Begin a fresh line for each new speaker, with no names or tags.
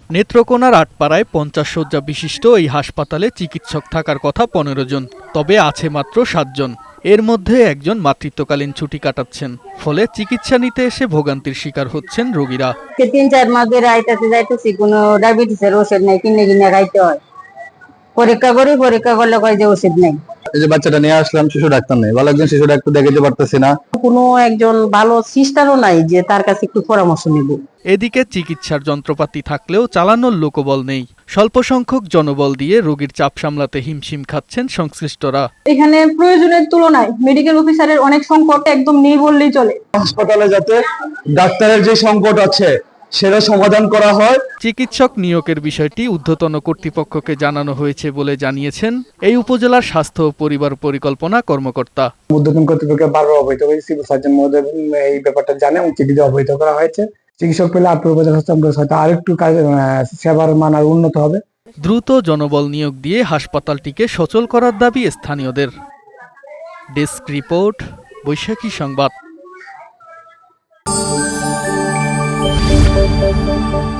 নেত্রকোনার আটপাড়ায় 50 শয্যা বিশিষ্ট এই হাসপাতালে চিকিৎসক থাকার কথা 15 জন, তবে আছে মাত্র 7 জন। এর মধ্যে একজন মাতৃত্বকালীন ছুটি কাটাচ্ছেন, ফলে চিকিৎসা নিতে এসে ভোগান্তির শিকার হচ্ছেন রোগীরা।
3-4 মাস ধরে আইতাতে যাইতেছি, কোনো ডায়াবেটিসের ওষুধ নেই, কিনে কিনে খাইতে হয়। পরীক্ষা করলে কয় যে ওষুধ নেই।
এই যে বাচ্চাটা নিয়ে আসলাম, শিশু ডাক্তার নেই, ভালো একজন শিশু ডাক্তার দেখাতে পারতেছি না।
কোনো একজন ভালো সিস্টারও নাই যে তার কাছে একটু পরামর্শ নেব।
এদিকে চিকিৎসার যন্ত্রপাতি থাকলেও চালানোর লোকবল নেই। স্বল্প সংখ্যক জনবল দিয়ে রোগীর চাপ সামলাতে হিমশিম খাচ্ছেন সংশ্লিষ্টরা।
এখানে প্রয়োজনের তুলনায় মেডিকেল অফিসারের অনেক সংকট একদম নেই বললেই চলে।
হাসপাতালে যাতে ডাক্তারের যে সংকট আছে সেটা সমাধান করা হয়।
চিকিৎসক নিয়োগের বিষয়টি ঊর্ধ্বতন কর্তৃপক্ষকে জানানো হয়েছে বলে জানিয়েছেন এই উপজেলার স্বাস্থ্য ও পরিবার পরিকল্পনা কর্মকর্তা।
ঊর্ধ্বতন কর্তৃপক্ষকে বারবার অবহিত হয়েছে, সিভিল সার্জন মহোদয় এই ব্যাপারটা জানে এবং চিঠিতে অবহিত করা হয়েছে। চিকিৎসক পেলে আপনার উপজেলা স্বাস্থ্য হয়তো আরেকটু সেবার মান আর উন্নত হবে।
দ্রুত জনবল নিয়োগ দিয়ে হাসপাতালটিকে সচল করার দাবি স্থানীয়দের। ডেস্ক রিপোর্ট, বৈশাখী সংবাদ।